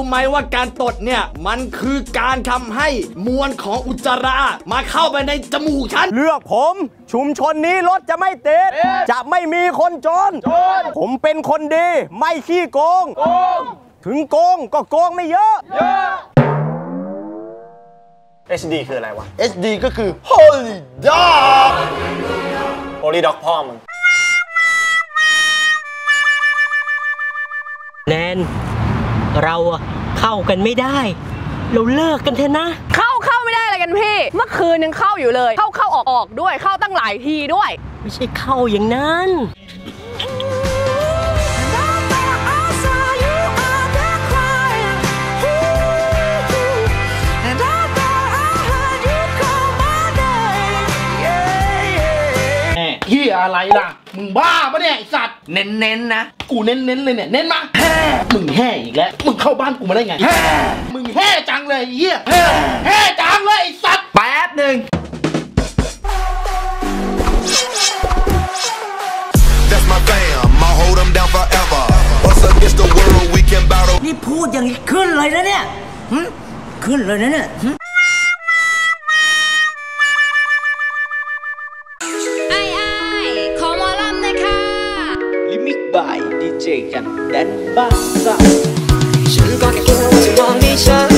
ไหมว่าการตดเนี่ยมันคือการทำให้มวลของอุจจาระมาเข้าไปในจมูกฉันเลือกผมชุมชนนี้รถจะไม่ติดจะไม่มีคนจนผมเป็นคนดีไม่ขี้โกงถึงโกงก็โกงไม่เยอะ HD คืออะไรวะ HD ก็คือ Holy Dog Holy Dog พ่อมึงแนนเราเข้ากันไม่ได้เราเลิกกันเถอะนะเข้าไม่ได้อะไรกันพี่เมื่อคืนยังเข้าอยู่เลยเข้าออกด้วยเข้าตั้งหลายทีด้วยไม่ใช่เข้าอย่างนั้นเฮียอะไรล่ะมึงบ้าปะเนี่ยไอสัตว์เน้นนะกูเน้นเลยเนี่ยเน้นมามึงแห่อีกแล้วมึงเข้าบ้านกูมาได้ไงมึงแห่จังเลยเฮียแห่จังเลยไอสัตว์แป๊บหนึ่งนี่พูดอย่างนี้ขึ้นเลยนะเนี่ยขึ้นเลยนะเนี่ยบายดีเจกันแดนบ้าซ่าฉันก็แค่คิดว่าจะมองที่ฉัน